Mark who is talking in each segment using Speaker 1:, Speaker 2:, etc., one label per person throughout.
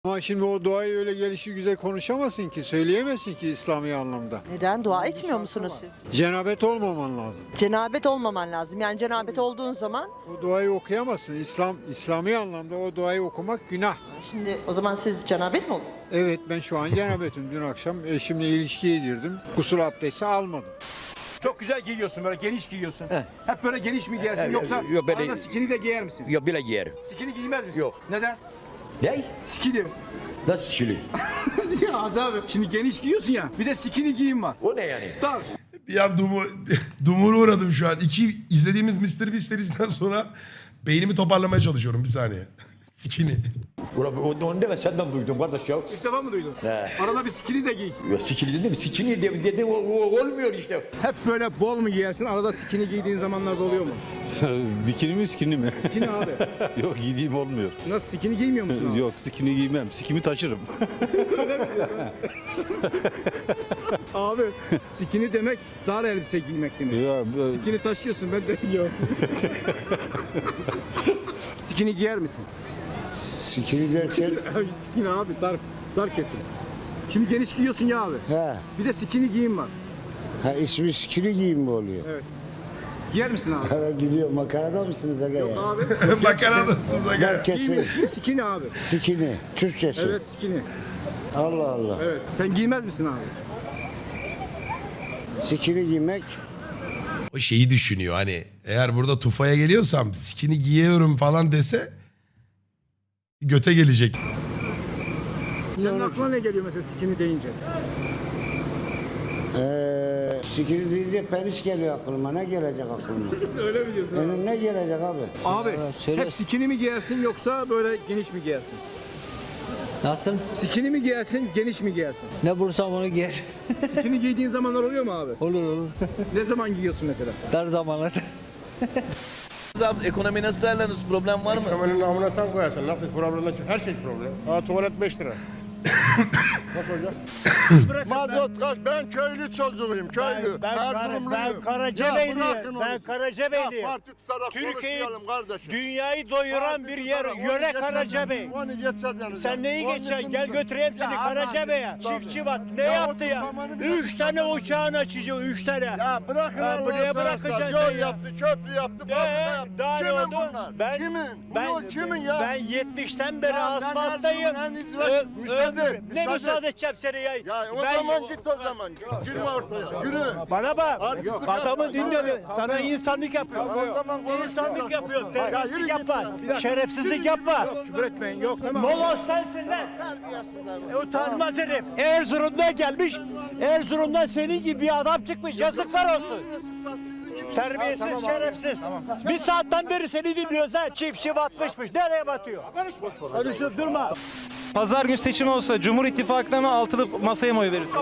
Speaker 1: Ama şimdi o duayı öyle gelişi güzel konuşamazsın ki, söyleyemezsin ki İslami anlamda.
Speaker 2: Neden? Dua etmiyor musunuz siz?
Speaker 1: Cenabet olmaman lazım.
Speaker 2: Cenabet olmaman lazım. Yani cenabet olduğun zaman
Speaker 1: O duayı okuyamazsın. İslami anlamda o duayı okumak günah.
Speaker 2: şimdi o zaman siz cenabet mi olun?
Speaker 1: Evet, ben şu an cenabetim. Dün akşam eşimle ilişkiye girdim. Gusül abdesti almadım.
Speaker 3: Çok güzel giyiyorsun, böyle geniş giyiyorsun. Hep böyle geniş mi giyersin yoksa
Speaker 4: yok, böyle-
Speaker 3: arada skinny de giyer misin?
Speaker 4: Yok bile giyerim.
Speaker 3: Skinny giymez misin?
Speaker 4: Yok.
Speaker 3: Neden?
Speaker 4: Ne?
Speaker 3: Skinny.
Speaker 4: Nasıl şili?
Speaker 3: Ya Hacı abi şimdi geniş giyiyorsun ya bir de skinny giyim var.
Speaker 4: O ne yani?
Speaker 3: Dar.
Speaker 5: Ya dumura uğradım şu an. İzlediğimiz Mr. Beast serisinden sonra beynimi toparlamaya çalışıyorum bir saniye. Skinny.
Speaker 4: Ulan onu deme senden duydum kardeş ya.
Speaker 3: İlk defa mı duydun?
Speaker 4: He.
Speaker 3: Arada bir skinny de giy.
Speaker 4: Ya sikili dedim sikili dedi olmuyor işte.
Speaker 3: Hep böyle bol mu giyersin arada skinny giydiğin zamanlarda oluyor mu?
Speaker 6: Bikini mi skinny mi?
Speaker 3: Skinny abi.
Speaker 6: Yok giydiğim olmuyor.
Speaker 3: Nasıl skinny giymiyor musun abi?
Speaker 6: Yok skinny giymem. Sikimi taşırım.
Speaker 3: Abi skinny demek dar elbise giymek demek.
Speaker 6: Ya,
Speaker 3: Skinny taşıyorsun ben de biliyorum. Skinny giyer misin?
Speaker 7: Sikini derken
Speaker 3: Abi skinny abi dar kesim. Şimdi geniş giyiyorsun ya abi.
Speaker 7: he,
Speaker 3: Bir de skinny giyim var.
Speaker 7: ha ismi sikini giyim mi oluyor?
Speaker 3: Giyer misin abi?
Speaker 7: Ha gülüyor, makarada mısınız aga ya?
Speaker 3: Abi.
Speaker 5: Bakar mısınız aga?
Speaker 7: Herkesi
Speaker 3: Giyimin ismi skinny abi.
Speaker 7: sikini, Türkçesi.
Speaker 3: Evet skinny.
Speaker 7: Allah Allah.
Speaker 3: Evet. Sen giymez misin abi?
Speaker 7: Sikini giymek
Speaker 5: O şeyi düşünüyor hani eğer burada tufaya geliyorsam skinny giyiyorum falan dese göte gelecek.
Speaker 3: Senin aklına ne geliyor mesela skinny deyince?
Speaker 7: sikini deyince penis geliyor aklıma. Ne gelecek aklıma?
Speaker 3: Öyle mi diyorsun abi?
Speaker 7: Ne gelecek abi?
Speaker 3: Abi hep skinny mi giyersin yoksa böyle geniş mi giyersin?
Speaker 8: Nasıl?
Speaker 3: Skinny mi giyersin, geniş mi giyersin?
Speaker 8: Ne bulursam onu giyer.
Speaker 3: Skinny giydiğin zamanlar oluyor mu abi?
Speaker 8: Olur olur.
Speaker 3: Ne zaman giyiyorsun mesela?
Speaker 8: Dar zamanlarda.
Speaker 9: Abi ekonomi nasıl değerlendiriyorsun? Problem var mı?
Speaker 10: Hemen namına sen koyarsın. Nasıl problem? Her şey problem. Ha tuvalet 5 lira. Nasıl olacak? Mazot kaç? Ben köylü çocuğuyum. Köylü. Erzurumluyum.
Speaker 9: Ben Karacabeyli'yim. Ben Karacabeyli'yim.
Speaker 10: Parti tutarak
Speaker 9: Türkiye'yi,
Speaker 10: konuşmayalım kardeşim.
Speaker 9: dünyayı doyuran bir yer. Yöre Karacabey.
Speaker 10: Onu geçeceğiz yani.
Speaker 9: Sen neyi geçeceksin? Gel götüreyim seni Karacabey'e. Çiftçi bak ne yaptı ya? 3 tane uçağın açacağım. 3 tane.
Speaker 10: Ya bırakın
Speaker 9: Ha,
Speaker 10: Allah'ını
Speaker 9: buraya
Speaker 10: seversen.
Speaker 9: bırakacaksın
Speaker 10: Yol
Speaker 9: ya.
Speaker 10: yaptı, köprü yaptı, fabrika yaptı.
Speaker 9: Daha ne
Speaker 10: Kimin
Speaker 9: oldu?
Speaker 10: bunlar? Kimin? Bu yol kimin ya?
Speaker 9: Ben 70'ten beri
Speaker 10: Ya ben
Speaker 9: asfalttayım.
Speaker 10: Erzurum'un en icra- Müsaade et,
Speaker 9: Ne
Speaker 10: müsaade
Speaker 9: müsaade edeceğim seni ya?
Speaker 10: Ya o zaman git o zaman. Girme ortaya. Yürü.
Speaker 9: Bana bak.
Speaker 10: Artistlik
Speaker 9: Adamı
Speaker 10: yapma.
Speaker 9: dinle. Sana insanlık yapıyor.
Speaker 10: O zaman konuş.
Speaker 9: İnsanlık yapıyor.
Speaker 10: Ya yürü
Speaker 9: Terbiyesizlik
Speaker 10: git.
Speaker 9: yapma. Şerefsizlik yapma.
Speaker 3: Küfür etmeyin yok tamam.
Speaker 9: Moloz sensin lan. Utanmaz herif. Erzurum'dan gelmiş. Erzurum'dan senin gibi bir adam çıkmış. Yazıklar olsun. Terbiyesiz, şerefsiz. Bir saatten beri seni dinliyoruz ha. Çiftçi batmışmış. Nereye batıyor? Konuşup durma.
Speaker 11: Pazar günü seçim olsa Cumhur İttifakı'na mı altılı masaya mı oy verirsin?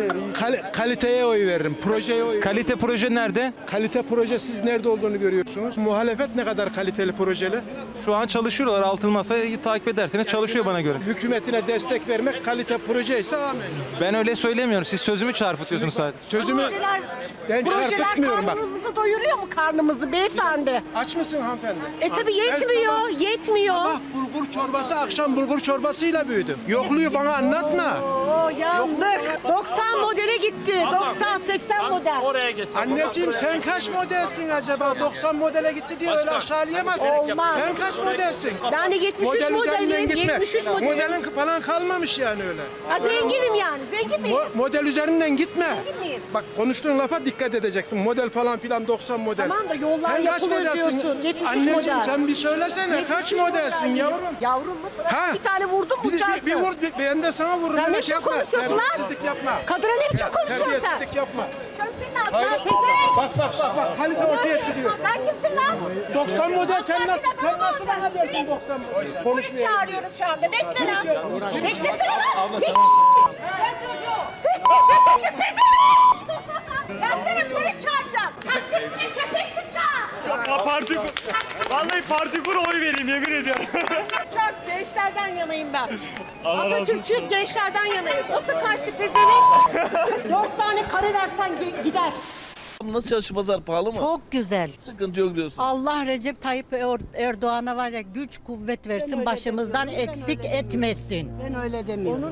Speaker 10: Kaliteye oy veririm. Projeye oy
Speaker 11: Kalite proje nerede?
Speaker 10: Kalite proje siz nerede olduğunu görüyorsunuz. Muhalefet ne kadar kaliteli projeli?
Speaker 11: Şu an çalışıyorlar altılı masayı takip ederseniz çalışıyor bana göre.
Speaker 10: Hükümetine destek vermek kalite proje ise amin.
Speaker 11: Ben öyle söylemiyorum. Siz sözümü çarpıtıyorsunuz sadece.
Speaker 10: Sözümü ben çarpıtmıyorum bak.
Speaker 2: karnımızı doyuruyor mu karnımızı beyefendi?
Speaker 10: Aç mısın hanımefendi?
Speaker 2: Tabii yetmiyor, yetmiyor.
Speaker 10: Sabah bulgur çorbası, akşam bulgur çorbasıyla büyüdüm. Yokluğu bana anlatma.
Speaker 2: Oo yandık. 90 modele gitti. 90-80 model.
Speaker 10: Anneciğim sen kaç modelsin acaba? 90 modele gitti diye öyle aşağılayamazsın.
Speaker 2: Olmaz.
Speaker 10: Sen kaç modelsin?
Speaker 2: Ben de 73
Speaker 10: Model üzerinden
Speaker 2: modelim.
Speaker 10: gitme.
Speaker 2: 73 modelim.
Speaker 10: Modelin falan kalmamış yani öyle.
Speaker 2: Ha, zenginim yani. Zengin miyim?
Speaker 10: Model üzerinden gitme.
Speaker 2: Zengin miyim?
Speaker 10: Bak konuştuğun lafa dikkat edeceksin. Model falan filan 90 model.
Speaker 2: Tamam da yollar
Speaker 10: sen kaç
Speaker 2: yapılır
Speaker 10: modelsin?
Speaker 2: diyorsun. 73
Speaker 10: Anneciğim
Speaker 2: model.
Speaker 10: sen bir söylesene.
Speaker 2: 73
Speaker 10: Kaç modelsin
Speaker 2: model.
Speaker 10: yavrum?
Speaker 2: Yavrum mu? Sana
Speaker 10: Ha?
Speaker 2: bir tane vurdum mu uçarsın?
Speaker 10: Bir vur, ben de sana vururum.
Speaker 2: Sen
Speaker 10: Öyle
Speaker 2: ne
Speaker 10: şey
Speaker 2: biçim
Speaker 10: yapma.
Speaker 2: konuşuyorsun lan?
Speaker 10: Terbiyesizlik yapma.
Speaker 2: Kadına ne biçim konuşuyorsun sen?
Speaker 10: Terbiyesizlik yapma.
Speaker 2: Canım senin ağzına pezevenk.
Speaker 10: Bak kalite ortaya çıkıyor.
Speaker 2: Sen kimsin lan?
Speaker 10: 90 model sen nasıl bana dersin 90 model?
Speaker 2: Polis çağırıyorum şu anda. Bekle lan. Beklesene lan. Bekle. Sen çocuğu. Siktir pezevenk. Ben seni polis çağıracağım. Taksisine köpeksin çağır.
Speaker 9: Vallahi parti kur oy vereyim yemin ediyorum.
Speaker 2: Çok gençlerden yanayım ben. Atatürkçüyüz, gençlerden yanayız. Nasıl kaçtı pezevenk? 4 tane kare versen gider.
Speaker 9: Nasıl çalışı pazar pahalı mı?
Speaker 2: Çok güzel.
Speaker 9: Sıkıntı yok diyorsun.
Speaker 2: Allah Recep Tayyip Erdoğan'a var ya güç kuvvet versin, başımızdan eksik etmesin.
Speaker 12: Ben öyle demiyorum.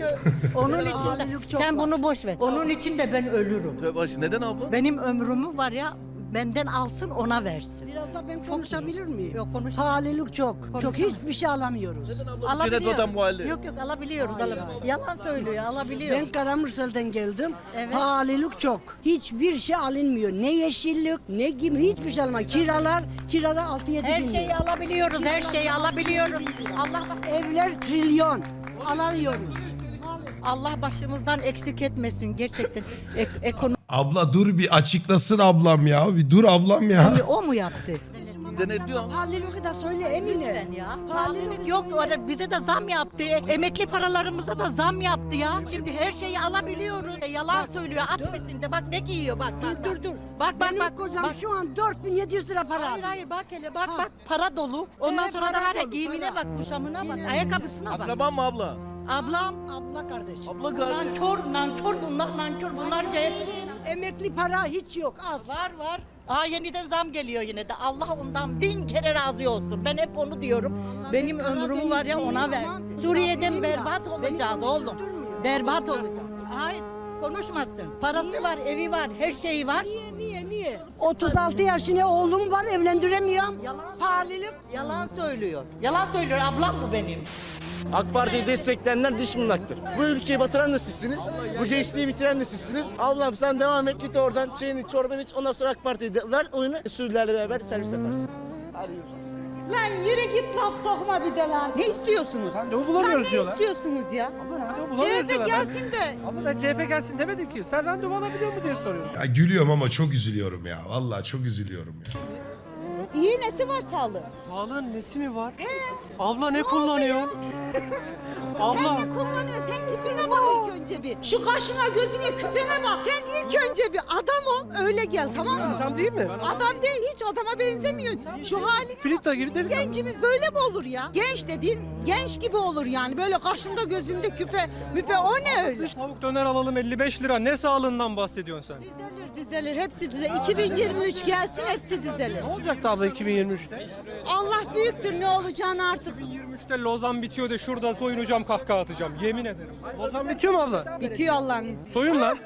Speaker 2: Onun için de sen bunu boş ver. Onun için de ben ölürüm.
Speaker 9: Tövbe aşkına, neden abla?
Speaker 2: Benim ömrümü var ya benden alsın ona versin.
Speaker 12: Biraz da ben
Speaker 2: Çok
Speaker 12: konuşabilir miyim?
Speaker 2: Yok konuş.
Speaker 12: Pahalılık çok. Çok hiçbir şey alamıyoruz.
Speaker 9: Neden abla? Cennet vatan bu halde.
Speaker 2: Yok alabiliyoruz. Yalan söylüyor, alabiliyoruz.
Speaker 12: Ben Karamürsel'den geldim.
Speaker 2: Evet.
Speaker 12: Pahalılık çok. Hiçbir şey alınmıyor. Ne yeşillik, ne gibi hiçbir şey alınmıyor. Kiralar 6-7 bin
Speaker 2: Her
Speaker 12: lira.
Speaker 2: şeyi alabiliyoruz, her şeyi alabiliyoruz.
Speaker 12: Evler trilyon. Alamıyoruz.
Speaker 2: Allah başımızdan eksik etmesin gerçekten. Ekonomi
Speaker 5: Abla dur bir açıklasın ablam ya. Bir dur ablam ya.
Speaker 2: o mu yaptı?
Speaker 9: Denetliyor ama.
Speaker 12: Pahalılığı da söyle Emine.
Speaker 2: Lütfen ya. Pahalılık yok. Orada bize de zam yaptı. Emekli paralarımıza da zam yaptı ya. Şimdi her şeyi alabiliyoruz. Yalan söylüyor. Atmasın de bak ne giyiyor bak.
Speaker 12: Dur.
Speaker 2: Bak
Speaker 12: Benim kocam şu an 4700 lira para aldı.
Speaker 2: Hayır bak hele bak. Para dolu. Ondan sonra da
Speaker 12: para
Speaker 2: var ya
Speaker 12: dolu,
Speaker 2: giyimine
Speaker 12: para.
Speaker 2: bak, kuşamına bak, ayakkabısına bak.
Speaker 9: Akraban mı abla?
Speaker 2: Ablam,
Speaker 12: Abla kardeşim.
Speaker 9: Abla kardeş.
Speaker 2: nankör bunlar CHP.
Speaker 12: Emekli para hiç yok az.
Speaker 2: Var. Yeniden zam geliyor yine de. Allah ondan 1000 kere razı olsun. Ben hep onu diyorum. Benim ömrümü var ya ona versin. Suriye'den berbat olacağız oğlum. Berbat olacağız. Hayır. Konuşmasın. Parası var, evi var, her şeyi var.
Speaker 12: Niye? 36 yaşında oğlum var evlendiremiyorum. Pahalılık.
Speaker 2: Yalan söylüyor. Yalan söylüyor. Ablam bu benim.
Speaker 9: AK Parti'yi destekleyenler dış mınlaktır. Bu ülkeyi batıran da sizsiniz. Bu gençliği bitiren de sizsiniz. Ablam sen devam et, git oradan çayını çorbanı iç. Ondan sonra AK Parti'yi ver oyunu. Sürülerle beraber servis yaparsın. Hadi görüşürüz.
Speaker 2: Lan yürü git laf sokma bir de lan. Ne istiyorsunuz?
Speaker 11: Randevu bulamıyoruz diyorlar.
Speaker 2: İstiyorsunuz ya? CHP gelsin de.
Speaker 11: Ama ben CHP gelsin demedim ki. Sen randevu alabiliyor mu diye soruyorum.
Speaker 5: Ya gülüyorum ama çok üzülüyorum ya. Vallahi çok üzülüyorum ya.
Speaker 2: İyi nesi var sağlığı?
Speaker 11: Sağlığın nesi mi var? Abla ne kullanıyor? Abla.
Speaker 2: Sen ne kullanıyorsun? Sen tipine bak ilk önce bir. Şu kaşına gözüne küpene bak. Sen ilk önce bir adam ol öyle gel tamam mı?
Speaker 11: Adam değil mi?
Speaker 2: Adam değil hiç adama benzemiyor. Şu hali
Speaker 11: Filipta gibi delikanlı.
Speaker 2: gencimiz böyle mi olur ya? Genç dediğin genç gibi olur yani. Böyle kaşında gözünde müpe o ne öyle?
Speaker 11: Tavuk döner alalım 55 lira. Ne sağlığından bahsediyorsun sen?
Speaker 2: Düzelir hepsi düzelir. 2023 gelsin hepsi düzelir.
Speaker 11: Ne olacaktı abla 2023'te?
Speaker 2: Allah büyüktür ne olacağını artık.
Speaker 11: 2023'te Lozan bitiyor de şurada soyunacağım kahkaha atacağım. Yemin ederim. Lozan bitiyor mu abla?
Speaker 2: Bitiyor Allah'ın izniyle.
Speaker 11: Soyun lan.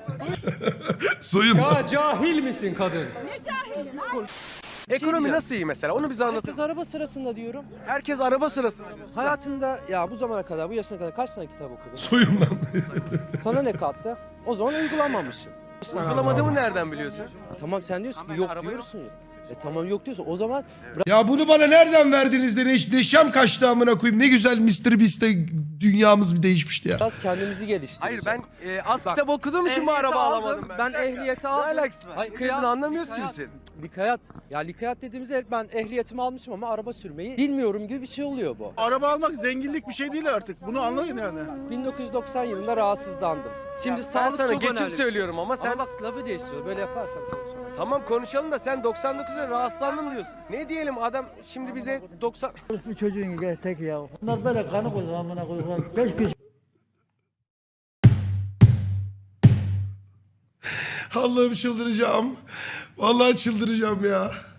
Speaker 5: Soyun.
Speaker 11: Ya cahil misin kadın?
Speaker 2: Ne cahil lan?
Speaker 13: Ekonomi nasıl iyi mesela? Onu bize anlatın.
Speaker 8: Herkes araba sırasında diyorum.
Speaker 13: Herkes araba sırasında.
Speaker 8: Hayatında ya bu zamana kadar, bu yaşına kadar kaç tane kitap okudun?
Speaker 5: Soyun lan.
Speaker 8: Sana ne kattı? O zaman uygulamamışsın.
Speaker 13: Uygulamadığımı nereden biliyorsun?
Speaker 8: Tamam sen diyorsun ki
Speaker 13: Hani
Speaker 8: yok
Speaker 13: araba
Speaker 8: diyorsun ya. Tamam yok diyorsun. O zaman
Speaker 5: Ya bunu bana nereden verdiniz de neşem kaçtı amına koyayım. Ne güzel Mr. Beast'te dünyamız bir değişmişti ya.
Speaker 8: biraz kendimizi
Speaker 13: Hayır
Speaker 8: geliştireceğiz.
Speaker 13: ben az
Speaker 8: Bak,
Speaker 13: kitap okuduğum için bu
Speaker 8: ehliyeti
Speaker 13: araba
Speaker 8: aldım.
Speaker 13: alamadım ben.
Speaker 8: Ben ehliyeti aldım.
Speaker 13: Ne alakası var?
Speaker 8: Hayır,
Speaker 13: Hayır, anlamıyoruz ki
Speaker 8: likayat.
Speaker 13: biz.
Speaker 8: Likayat. Ya likayat dediğimiz yer ben ehliyetimi almışım ama araba sürmeyi bilmiyorum gibi bir şey oluyor bu.
Speaker 10: Araba almak zenginlik bir şey değil artık. Bunu anlayın yani.
Speaker 8: 1990 yılında rahatsızlandım. Şimdi
Speaker 13: Ben
Speaker 8: sağlık
Speaker 13: sana
Speaker 8: çok
Speaker 13: geçip
Speaker 8: önemli.
Speaker 13: söylüyorum ama sen
Speaker 8: Ama bak lafı değiştiriyor. Böyle yaparsan konuşalım.
Speaker 13: tamam konuşalım da sen 99'da rahatsızlandım diyorsun. Ne diyelim adam şimdi bize 90
Speaker 8: Bu çocuğun tek ya. Bunlar böyle kanı koyuyor amına koyuyorlar. 5 kişi.
Speaker 5: Allah'ım çıldıracağım. Vallahi çıldıracağım ya.